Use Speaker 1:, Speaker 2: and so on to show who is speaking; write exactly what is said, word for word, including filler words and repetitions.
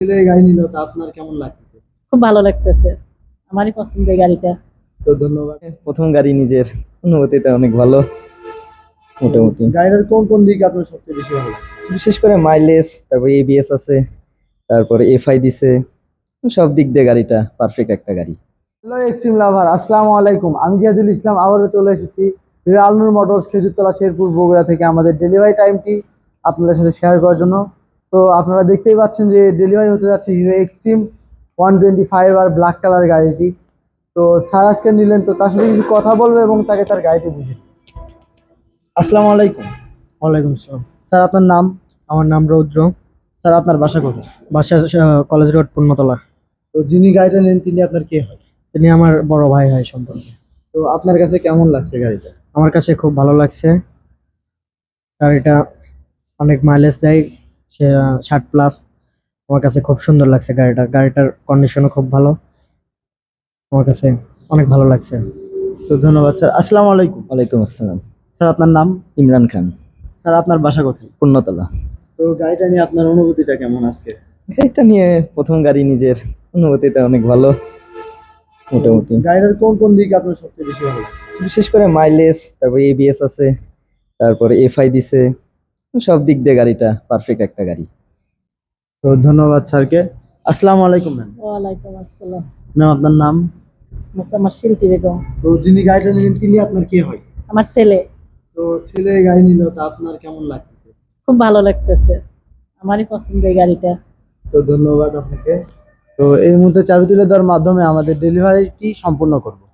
Speaker 1: ছেলে গাড়ি নিল, তা আপনার কেমন লাগতেছে?
Speaker 2: খুব ভালো লাগতেছে। আমারই পছন্দের গাড়িটা।
Speaker 1: তো ধন্যবাদ।
Speaker 3: প্রথম গাড়ি নিজের, অনুভূতিটা অনেক ভালো মোটামুটি।
Speaker 1: গাড়িটার কোন কোন দিক আপনার সবচেয়ে বেশি ভালো লাগছে?
Speaker 3: বিশেষ করে মাইলেজ, তারপরে এবিএস আছে, তারপরে এফআই দিছে, সব দিক দিয়ে গাড়িটা পারফেক্ট একটা গাড়ি।
Speaker 1: হ্যালো এক্সট্রিম লাভার, আসসালামু আলাইকুম। আমি জিয়াদুল ইসলাম আবারও চলে এসেছি আলনুর মোটরস, খেজুরতলা, শেরপুর, বগুড়া থেকে আমাদের ডেলিভারি টাইমটি আপনাদের সাথে শেয়ার করার জন্য। তো আপনারা দেখতেই পাচ্ছেন যে ডেলিভারি হতে যাচ্ছে Hero Xtreme one twenty five আর ব্ল্যাক কালার গাড়িটি। তো স্যার আজকে নিলেন, তো তার সাথে কিছু কথা বলবো এবং তাকে তার গাড়িটি বুঝে। আসসালামু আলাইকুম।
Speaker 4: ওয়ালাইকুম আসসালাম।
Speaker 1: স্যার আপনার নাম?
Speaker 4: আমার নাম রৌদ্র।
Speaker 1: স্যার আপনার বাসা কোথায়?
Speaker 4: বাসা কলেজ রোড, পূর্ণতলা।
Speaker 1: তো যিনি গাড়িটা নেন তিনি আপনার কে হয়?
Speaker 4: তিনি আমার বড় ভাই হয় সম্পর্কে।
Speaker 1: তো আপনার কাছে কেমন লাগছে গাড়িটা?
Speaker 4: আমার কাছে খুব ভালো লাগছে। গাড়িটা অনেক মাইলেজ দেয়, সে ষাট প্লাস। আমার কাছে খুব সুন্দর লাগছে গাড়িটা। গাড়িটার কন্ডিশনও খুব ভালো, আমার কাছে অনেক ভালো লাগছে।
Speaker 1: তো ধন্যবাদ স্যার। আসসালামু আলাইকুম।
Speaker 3: ওয়ালাইকুম আসসালাম।
Speaker 1: স্যার আপনার নাম?
Speaker 3: ইমরান খান,
Speaker 1: স্যার আপনার বাসা কোথায়?
Speaker 3: পূর্ণতলা।
Speaker 1: তো গাড়িটা নিয়ে আপনার অনুভূতিটা কেমন আজকে?
Speaker 3: গাড়িটা নিয়ে প্রথম গাড়ি নিজের, অনুভূতিটা অনেক ভালো মোটামুটি।
Speaker 1: গাড়িটার কোন কোন দিক আপনার সবচেয়ে বেশি ভালো লাগছে?
Speaker 3: বিশেষ করে মাইলেজ, তারপরে এবিএস আছে, তারপরে এফআই দিছে, সব দিক দিয়ে গাড়িটা পারফেক্ট একটা গাড়ি।
Speaker 1: তো ধন্যবাদ স্যারকে। আসসালামু আলাইকুম ম্যাম।
Speaker 2: ওয়ালাইকুম আসসালাম।
Speaker 1: ম্যাম আপনার নাম?
Speaker 2: আচ্ছা, আমার শিল্পী বেগম।
Speaker 1: তো যিনি গাড়িটা নিলেন তিনি আপনার কে হয়?
Speaker 2: আমার ছেলে।
Speaker 1: তো ছেলে গাড়ি নিল, তা আপনার কেমন লাগতেছে?
Speaker 2: খুব ভালো লাগতেছে। আমারই পছন্দের গাড়িটা।
Speaker 1: তো ধন্যবাদ আপনাকে। তো এই মুহূর্তে চাবি তুলে দেওয়ার মাধ্যমে আমাদের ডেলিভারিটি সম্পূর্ণ করব।